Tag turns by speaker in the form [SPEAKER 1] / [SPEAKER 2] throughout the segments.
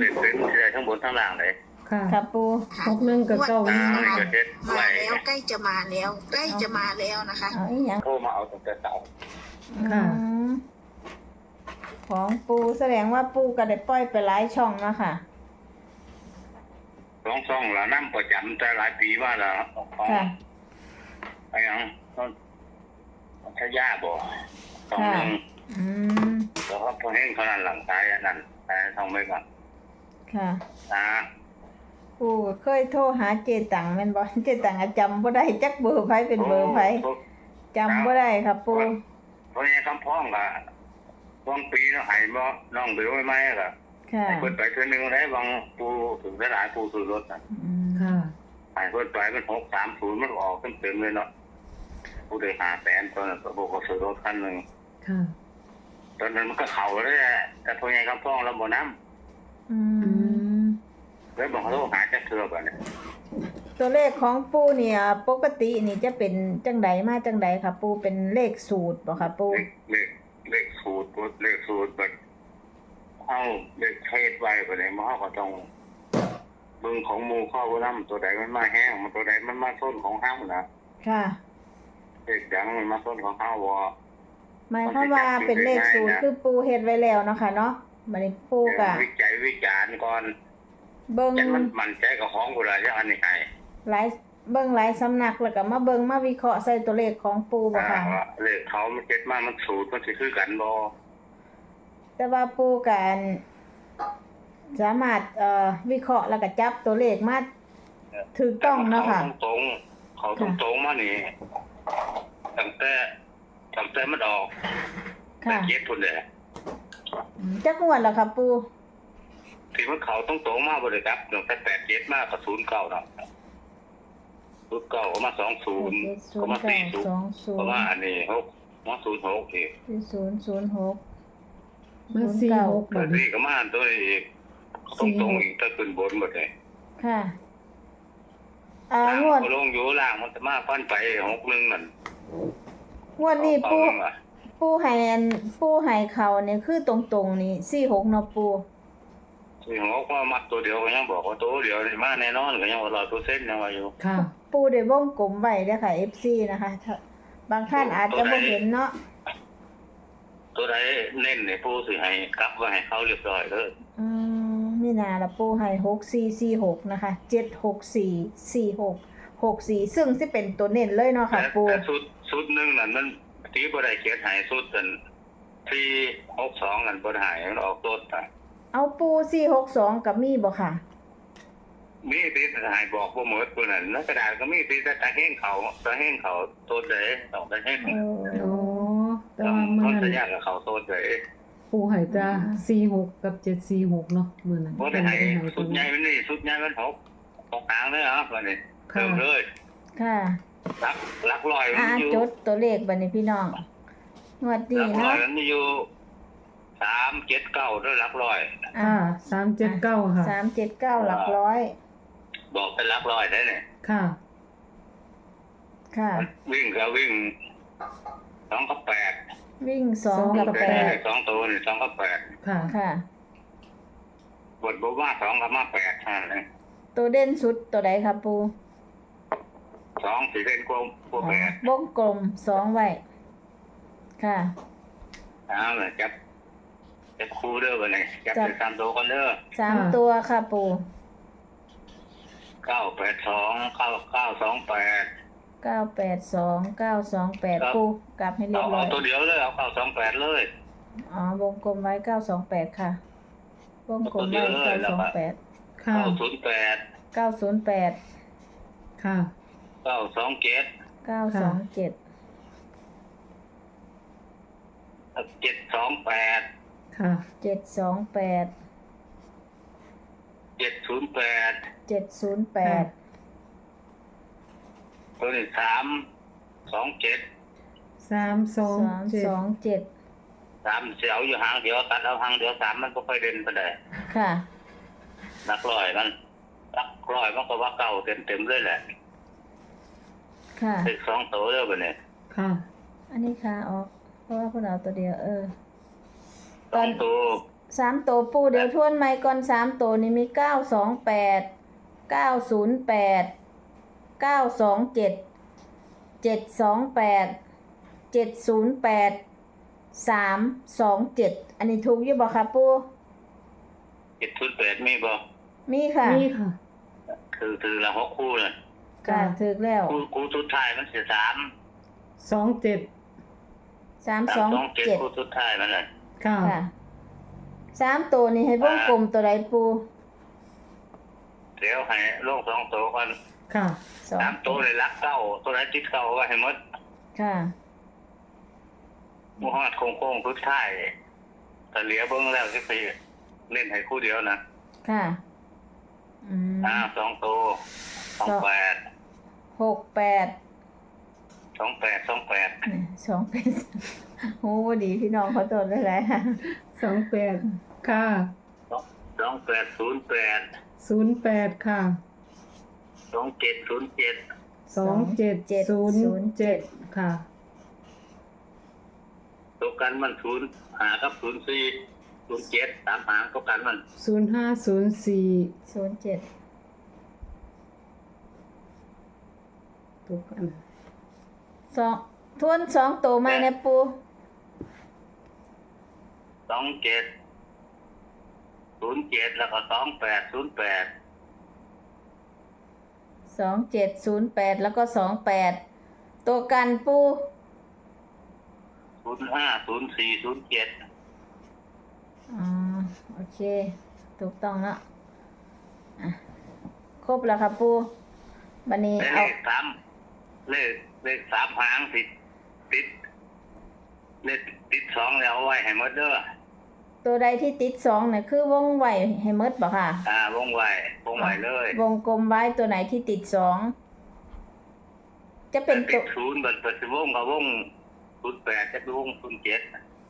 [SPEAKER 1] เด็กเป็นได้ทั้งบนทั้งล่างเลย
[SPEAKER 2] ค่ะ
[SPEAKER 3] ค่ะปู
[SPEAKER 2] 61กับ
[SPEAKER 1] อ่า
[SPEAKER 2] 91
[SPEAKER 1] นี่ก็เด็ด
[SPEAKER 4] มา
[SPEAKER 1] ไว้
[SPEAKER 4] แล้วใกล้จะมาแล้วใกล้จะมาแล้วนะคะ
[SPEAKER 3] เอาอีหยัง
[SPEAKER 1] โทรมาเอาตั้งแต่เช้า
[SPEAKER 2] ค่ะ
[SPEAKER 3] อืมของปูแสดงว่าปูก็ได้ปล่อยไปหลายช่องแล้วค่ะ
[SPEAKER 1] ช่องละน้ำประจำแต่หลายปีมาแล้วของ
[SPEAKER 3] ค่ะ
[SPEAKER 1] ไอ้หยังต้นทยาบ่สองหนึ่ง
[SPEAKER 3] อืม
[SPEAKER 1] แล้วก็พอเห็นเขานั่นหลังซ้ายอันนั่นแต่ท่องไว้ก่อน
[SPEAKER 3] ค่ะ
[SPEAKER 1] นะ
[SPEAKER 3] ปูเคยโทรหาเจตังแม่นบ่เจตังอะจำบ่ได้จักเบอร์ไผเป็นเบอร์ไผจำบ่ได้ค่ะปู
[SPEAKER 1] เพราะงี้คำพ้องก็พ้องปีเนาะหายบ่น้องเบลไว้ไหมก็
[SPEAKER 3] ค่ะ
[SPEAKER 1] ให้เพิ่นไปเทื่อนึงได้บางปูถึงได้หลายปูซื้อรถน่ะ
[SPEAKER 3] อืม
[SPEAKER 2] ค่ะ
[SPEAKER 1] ให้เพิ่นไปมัน630มันออกเต็มๆเลยเนาะผู้ได้500,000ตอนนั้นก็บอกว่าซื้อรถคันนึง
[SPEAKER 2] ค่ะ
[SPEAKER 1] ตอนนั้นมันก็เข้าเลยแหละแต่พองี้คำพ้องเราบ่นำ
[SPEAKER 3] อื
[SPEAKER 2] อื
[SPEAKER 3] ม
[SPEAKER 2] ม
[SPEAKER 1] แล้วบอกเขาหาจักเทื่อบัดนี้
[SPEAKER 3] ตัวเลขของปูเนี่ยปกตินี่จะเป็นจังใดมาจังใดค่ะ ปูเป็นเลขสูตรบ่ค่ะปู
[SPEAKER 1] เลขสูตรแบบเอาเลขเทศไว้บัดนี้มันเขาก็ต้องเบิ่งของหมู่เข้าบ่นำตัวใดมันมาแห้งมันตัวใดมันมาส้นของเฮานะ
[SPEAKER 3] ค่ะ
[SPEAKER 1] เลขดังมันมาส้นของเฮาบ่
[SPEAKER 3] หมายความว่าเป็นเลขสูตรคือปูเฮ็ดไว้แล้วเนาะค่ะเนาะบัดนี้ปูก็
[SPEAKER 1] วิจัยวิจารณ์ก่อน
[SPEAKER 3] เบิ่ง
[SPEAKER 1] จังมันใจกับของพุ่นล่ะจังอันนี้ให้
[SPEAKER 3] หลายเบิ่งหลายสำนักแล้วก็มาเบิ่งมาวิเคราะห์ใส่ตัวเลขของปูบ่ค่ะ
[SPEAKER 1] ว่าเลขเขามันเจ็ดมามันสูตรมันสิคือกันบ่
[SPEAKER 3] แต่ว่าปูกันสามารถวิเคราะห์แล้วก็จับตัวเลขมาถูกต้องเนาะค่ะ
[SPEAKER 1] เขาตรงๆมานี่ตั้งแต่มันออกแต่
[SPEAKER 3] ค่ะ
[SPEAKER 1] เจ็ดพุ่นแหละ
[SPEAKER 3] จักงวดแล้วค่ะปู
[SPEAKER 1] ที่มันเขาตรงๆมาบ่ได้ครับตั้งแต่87มาก็09เนาะ09ก็มา20ก็มา40ก็มาอันนี้6มา06อีก
[SPEAKER 3] 006
[SPEAKER 2] มา46
[SPEAKER 1] ตั
[SPEAKER 2] บั
[SPEAKER 1] ว
[SPEAKER 2] ดนี้
[SPEAKER 1] นี้ก็มาตัวนี้อีกตรงๆอีกถ้าขึ้นบนหมดเลย
[SPEAKER 3] ค่ะ
[SPEAKER 1] ล่าง
[SPEAKER 3] งวด
[SPEAKER 1] ก็ลงอยู่ล่างมันจะมาฟันไป61นั่น
[SPEAKER 3] งวดนี้ปู
[SPEAKER 1] เอาเงินมา
[SPEAKER 3] ปูให้เขาเนี่ยคือตรงๆนี่46เนาะปู
[SPEAKER 1] ที่หัวก็มัดตัวเดียวก็ยังบอกว่าตัวเดียวนี่มาแน่นอนก็ยังว่า100%ยังว่าอยู่
[SPEAKER 2] ค่ะ
[SPEAKER 3] ปูได้วงกลมไว้เด้อค่ะ FC นะคะบางท่านอาจจะบ่เห็นเนาะ
[SPEAKER 1] ตัวใดเน้นเนี่ยผู้สิให้กลับไว้ให้เขาเรียบร้อยเลย
[SPEAKER 3] นี่นาละปูให้6446นะคะ7644664ซึ่งสิเป็นตัวเน้นเลยเนาะค่ะปู
[SPEAKER 1] แต่สุดหนึงนั่นมันตีบ่ได้เขียนให้สุดนั่นที่62นั่นบ่ได้ให้มันออกต้นไป
[SPEAKER 3] เอาปู462กับมีบ่ค่ะ
[SPEAKER 1] มีที่ให้บอกบ่หมดตัวนั้นแล้วกระดาษก็มีที่แต่แห้งเขาต้นใดต้องแต่แห้ง
[SPEAKER 2] โอ้แต่
[SPEAKER 1] ต้อ
[SPEAKER 2] ว่าง มื้อ
[SPEAKER 1] สั
[SPEAKER 2] นั้
[SPEAKER 1] ญ
[SPEAKER 2] น
[SPEAKER 1] ญากับเขาต้นใด
[SPEAKER 2] ปูให้จ้า46กับ746เนาะมื้อนั้น
[SPEAKER 1] บ่ได้ให้สุดใหญ่มันนี่สุดใหญ่มัน6หางเลยครับวันนี้เติมเลย
[SPEAKER 3] ค่ะ
[SPEAKER 1] หลักร้อยมันอยู่
[SPEAKER 3] จดตัวเลขบัดนี้พี่น้องงวด
[SPEAKER 1] ห
[SPEAKER 3] นี้
[SPEAKER 1] ลักร้อย
[SPEAKER 3] เนาะ
[SPEAKER 1] มันอยู่379ด้วยหลักร้อย
[SPEAKER 2] ค่ะ379ค่ะ
[SPEAKER 3] 379หลักร้อย
[SPEAKER 1] บอกเป็นหลักร้อยได้เนี่ย
[SPEAKER 2] ค่ะ
[SPEAKER 3] ค่ะ
[SPEAKER 1] วิ่งก็วิ่ง2กับ8
[SPEAKER 3] วิ่ง2กับ
[SPEAKER 1] แต่2ตัวนี่2กับ
[SPEAKER 2] ค่ะ
[SPEAKER 3] 8ค่ะ
[SPEAKER 1] 8บทบ่มา2กับมา8นั่นแหละ
[SPEAKER 3] ตัวเด่นสุดตัวใดครับปู
[SPEAKER 1] 2สิเล่นกว่า8
[SPEAKER 3] วงกลม2ไว้ค่ะ
[SPEAKER 1] เอาล่ะจับคู่เด้อบัดนี้จับเป็น3ตัวกันเด้อ
[SPEAKER 3] 3ตัวค่ะปู
[SPEAKER 1] 982 9928
[SPEAKER 3] 982928ปูกลับให้เรียบร้
[SPEAKER 1] เอา
[SPEAKER 3] อย
[SPEAKER 1] ตัวเดียวเลยเอา928เลย
[SPEAKER 3] วงกลมไว้928ค่ะวงกลมไว้928
[SPEAKER 2] ค่ะ
[SPEAKER 1] 908
[SPEAKER 3] 908
[SPEAKER 2] ค่ะ
[SPEAKER 1] 927
[SPEAKER 3] 927
[SPEAKER 1] 728
[SPEAKER 2] ค่ะ
[SPEAKER 3] 728
[SPEAKER 1] 708
[SPEAKER 3] 708
[SPEAKER 1] ตัวนี้327
[SPEAKER 2] 327
[SPEAKER 3] 327
[SPEAKER 1] เสียวอยู่หางเดียวตัดเอาหางเดียว3มันก็ค่อยเด่นไปได้
[SPEAKER 3] ค่ะ
[SPEAKER 1] หลักร้อยมันก็ว่าเก่าเต็มเลยแหละ
[SPEAKER 3] ค่ะ
[SPEAKER 1] อีก2ตัวเด้อบัดนี้
[SPEAKER 2] ค่ะ
[SPEAKER 3] อันนี้ค่ะออกเพราะว่าพวกเราตัวเดียว
[SPEAKER 1] สองตัว
[SPEAKER 3] 3ตัวปูเดี๋ยวทวนใหม่ก่อน3ตัวนี่มี928 908 927 728 708 327อันนี้ถูกอยู่บ่คะปู
[SPEAKER 1] 708มีบ่
[SPEAKER 3] มีค่ะ
[SPEAKER 2] นี่ค่ะ
[SPEAKER 1] คือละ6คู่น่ะ
[SPEAKER 3] ค่ะถูกแล้ว
[SPEAKER 1] คู่สุดท้ายมันสิ3
[SPEAKER 2] 27
[SPEAKER 1] 327คู่
[SPEAKER 3] 327
[SPEAKER 1] สุดท้ายมันน่ะ
[SPEAKER 2] ค่ะ
[SPEAKER 3] ค่ะ3ตัวนี้ให้วงกลมตัวใดปู
[SPEAKER 1] เดี๋ยวให้ลง2ตัวก่อน
[SPEAKER 2] ค่ะ
[SPEAKER 1] 3ตัวเลยรักเก้าตัวไหนติดเก้าก็ให้หมด
[SPEAKER 3] ค่ะ
[SPEAKER 1] บ่ฮอดโค้งๆสุดท้ายแต่เหลือเบิ่งแล้วสิไปเล่นให้คู่เดียวนะ
[SPEAKER 3] ค่ะ
[SPEAKER 1] 2ตัว28
[SPEAKER 3] 68
[SPEAKER 1] 28
[SPEAKER 3] โอ้บ่ดีพี่น้องขอโทษหลายๆค่ะ
[SPEAKER 2] 28 ค่ะ
[SPEAKER 1] 2808
[SPEAKER 2] 08 ค่ะ
[SPEAKER 1] 2707
[SPEAKER 2] 2707 ค่ะ
[SPEAKER 1] ตัวกันมัน0หากับ04 07 3หางตัวกันมัน
[SPEAKER 2] 0504
[SPEAKER 3] 07
[SPEAKER 2] ถูกกัน
[SPEAKER 3] ทวน2ตัวใหม่นะปู
[SPEAKER 1] 27 07แล้วก็2808
[SPEAKER 3] 2708แล้วก็28ตัวกันปู
[SPEAKER 1] 05 04 07
[SPEAKER 3] อ๋อโอเคถูกต้องแล้วอ่ะครบแล้วครับปูบัดนี้
[SPEAKER 1] เล
[SPEAKER 3] เอา
[SPEAKER 1] ข3เลข3หางติดเลขติด2แล้วเอาไว้ให้หมดเด้อ
[SPEAKER 3] ตัวใดที่ติด2เนี่ยคือวงไว้ให้หมดบ่ค่ะ
[SPEAKER 1] วงไว้เลย
[SPEAKER 3] วงกลมไว้ตัวไหนที่ติด2จะเป็น
[SPEAKER 1] ติ
[SPEAKER 3] ตัว
[SPEAKER 1] ด0บัดสิวงกับวง08จะเป็นวง07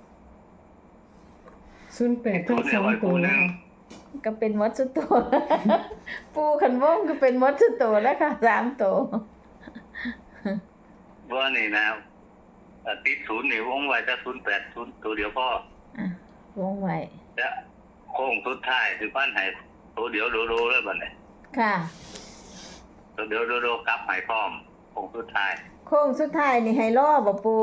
[SPEAKER 2] 08ทั้งสองตัวแล้วค่ะ
[SPEAKER 3] ก็เป็นหมดสุดตัว ปูขันวงก็เป็นหมดสุดตัวแล้วค่ะ3ตัว
[SPEAKER 1] ว่านี่นะติด0นี่วงไว้จะ080ตัวเดียวพอ
[SPEAKER 3] อ่ะวงไว้
[SPEAKER 1] จะโค้งสุดท้ายสิปั้นให้ตัวเดียวโดเลยบัดนี้
[SPEAKER 3] ค่ะ
[SPEAKER 1] ตัวเดียวโดกลับให้พร้อมโค้งสุดท้าย
[SPEAKER 3] โค้งสุดท้ายนี่ให้รอบ่ปู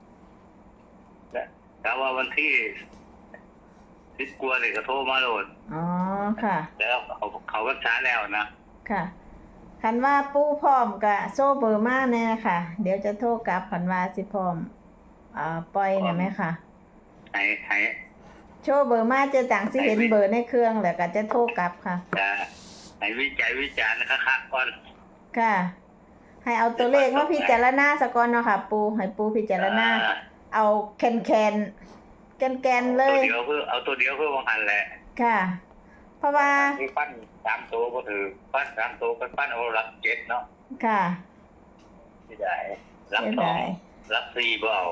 [SPEAKER 1] แต่ว่าวันที่10กว่านี่ก็โทรมาโลด
[SPEAKER 3] อ๋อค่ะ
[SPEAKER 1] แล้วเขาก็ช้าแล้วนะ
[SPEAKER 3] ค่ะคันว่าปูพร้อมก็โซ่เบอร์มาแน่ค่ะ เดี๋ยวจะโทรกลับคันว่าสิพร้อมปล่อยน่ะไหมค่ะ
[SPEAKER 1] ให้
[SPEAKER 3] โชว์เบอร์มาเจะต่างสิเห็นเบอร์ในเครื่องแล้วก็จะโทรกลับค่ะ
[SPEAKER 1] จะให้วิจารณ์คักๆก่อน
[SPEAKER 3] ค่ะ ให้เอาตัวเลขมาพิจารณาซะก่อนเนาะค่ะ ปูให้ปูพิจารณาเอาแคนแกนๆเลย
[SPEAKER 1] เอาตัวเดียวเพื่อวางหันแหละ
[SPEAKER 3] ค่ะ เพราะว่า
[SPEAKER 1] ที่ปั้น3ตัวก็ถือปั้น3ตัวก็ปั้นเอารับ7เนาะ
[SPEAKER 3] ค่ะ
[SPEAKER 1] ไม่ได้รับ
[SPEAKER 3] เสียดาย
[SPEAKER 1] 2รับ4บ่เอา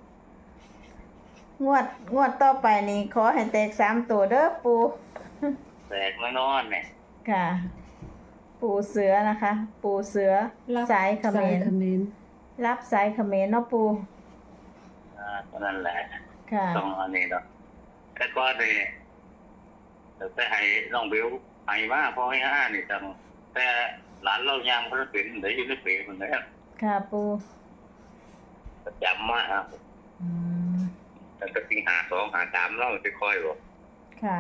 [SPEAKER 3] งวดต่อไปนี่ขอให้แตก3ตัวเด้อปู
[SPEAKER 1] แตกมานอนเนี่ย
[SPEAKER 3] ค่ะ ปูเสือนะคะ ปูเสือสายเขม
[SPEAKER 2] สาย
[SPEAKER 3] ร
[SPEAKER 2] เขมร
[SPEAKER 3] รับสายเขมรเนาะปู
[SPEAKER 1] ก็นั่นแหละ
[SPEAKER 3] ค่ะ
[SPEAKER 1] ต้องอันนี้เนาะแต่ก็นี่ไปให้น้องเบลให้มาพอให้5นี่จังแต่หลานเรายังบ่ได้เป็นได้อยู่ในเปรมันแล้ว
[SPEAKER 3] ค่ะปู
[SPEAKER 1] ประจำมาครับ
[SPEAKER 3] อืม
[SPEAKER 1] แต่ก็สิหา2หา3เราสิค่อยบ่
[SPEAKER 3] ค่ะ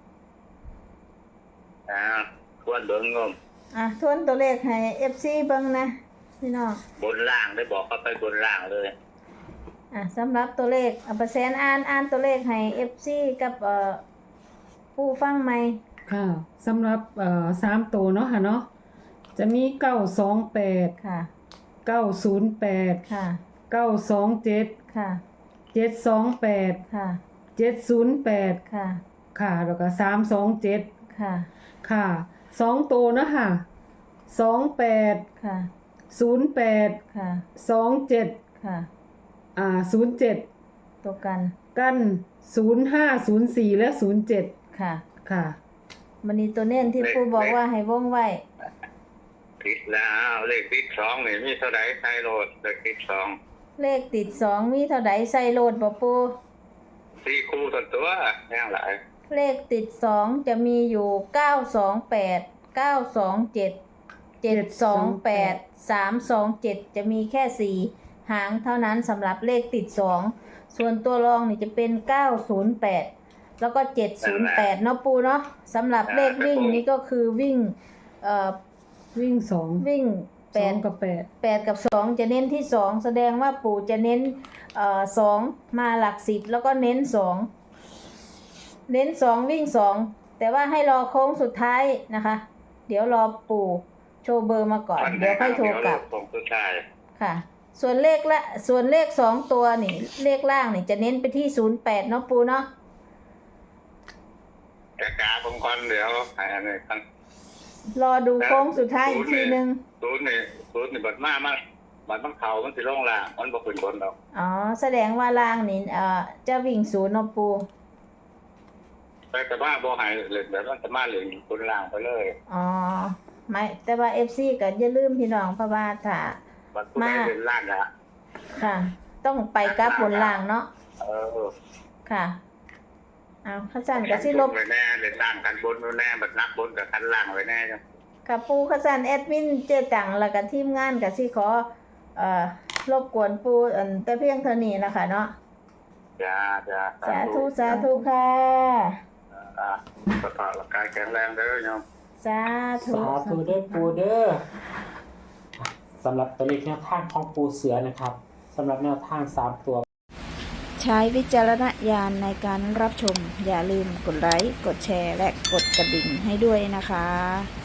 [SPEAKER 1] ควรเบิ่งงม
[SPEAKER 3] ทวนตัวเลขให้ FC เบิ่งนะพี่น้อง
[SPEAKER 1] บนล่างได้บอกเขาไปบนล่างเลย
[SPEAKER 3] สำหรับตัวเลขเปอร์เซ็นต์อ่านตัวเลขให้ FC กับผู้ฟังใหม่
[SPEAKER 2] ค่ะสำหรับ3ตัวเนาะค่ะเนาะจะมี928
[SPEAKER 3] ค่ะ
[SPEAKER 2] 908
[SPEAKER 3] ค่ะ
[SPEAKER 2] 927
[SPEAKER 3] ค่ะ
[SPEAKER 2] 728
[SPEAKER 3] ค่ะ
[SPEAKER 2] 708
[SPEAKER 3] ค่ะ
[SPEAKER 2] ค่ะแล้วก็327
[SPEAKER 3] ค่ะ
[SPEAKER 2] ค่ะ2ตัวเนาะค่ะ28
[SPEAKER 3] ค่ะ
[SPEAKER 2] 08
[SPEAKER 3] ค่ะ
[SPEAKER 2] 27
[SPEAKER 3] ค่ะ
[SPEAKER 2] 07
[SPEAKER 3] ตัวกัน
[SPEAKER 2] กัน0504และ07
[SPEAKER 3] ค่ะ
[SPEAKER 2] ค่ะ
[SPEAKER 3] วันนี้ตัวเน้นที่ผู้บอกว่าให้วงไว้
[SPEAKER 1] ติดแล้วเลขติด2นี่มีเท่าไหร่ใช้โหลดเลขติด2
[SPEAKER 3] เลขติด2มีเท่าใดใส่โหลดบ่ปู
[SPEAKER 1] 4คู่ตัวแย่งหลาย
[SPEAKER 3] เลขติด2จะมีอยู่928 927 728 327จะมีแค่4หางเท่านั้นสำหรับเลขติด2ส่วนตัวรองนี่จะเป็น908แล้วก็708เนาะปูเนาะสำหรับเลขวิ่งนี่ก็คือวิ่ง
[SPEAKER 2] วิ่งสอง
[SPEAKER 3] วิ่ง
[SPEAKER 2] สองกับแปด
[SPEAKER 3] 8กับ2จะเน้นที่2แสดงว่าปู่จะเน้น2มาหลัก10แล้วก็เน้น2เน้น2วิ่ง2แต่ว่าให้รอโค้งสุดท้ายนะคะ เดี๋ยวรอปู่โชว์เบอร์มาก่อนเดี๋ยวค่อยโทรกลับ
[SPEAKER 1] ผมก็ใช่
[SPEAKER 3] ค่ะส่วนเลข2ตัวนี่เลขล่างนี่จะเน้นไปที่08เนาะปู่เนาะ
[SPEAKER 1] แต่กาผมก่อนเดี๋ยวอันนี้ครับ
[SPEAKER 3] รอดูโค้งสุดท้ายอีกทีนึง
[SPEAKER 1] ศูนย์นี่บัดมาบัดมันเข่ามันสิลงล่างมันบ่ขึ้นบนดอก
[SPEAKER 3] อ๋อแสดงว่าล่างนี่จะวิ่ง0เนาะปู่
[SPEAKER 1] แต่ว่าบ่ให้เล่นแบบว่าจะมาเล่นบนล่างไปเลย
[SPEAKER 3] อ๋อไม่แต่ว่า FC ก็อย่าลืมพี่น้องเพราะว่าถ้า
[SPEAKER 1] บัดผู้ใดเล่นล่างนะ
[SPEAKER 3] ค่ะ ต้องไปกราฟบนล่างเนาะ ค่ะเอาข้าจันกับสิลบ
[SPEAKER 1] ไว้แน่เล่นล่างกันบนไว้แน่บัดนักบนกับคันล่างไว้แน่จ้ะ
[SPEAKER 3] กับปูข้าจันแอดมินเจตังแล้วกับทีมงานกับสิขอรบกวนปูแต่เพียงเท่านี้นะคะเนาะ
[SPEAKER 1] จ้า
[SPEAKER 3] สาธุค่ะ
[SPEAKER 1] สุขภาพร่างกายแข็งแรงเด้อโยม
[SPEAKER 3] สาธุ
[SPEAKER 5] สาธุเด้อปูเด้อสำหรับตัวเลขแนวทางของปูเสือนะครับสำหรับแนวทาง3ตัว
[SPEAKER 6] ใช้วิจารณญาณในการรับชม อย่าลืมกดไลค์ กดแชร์ และกดกระดิ่งให้ด้วยนะคะ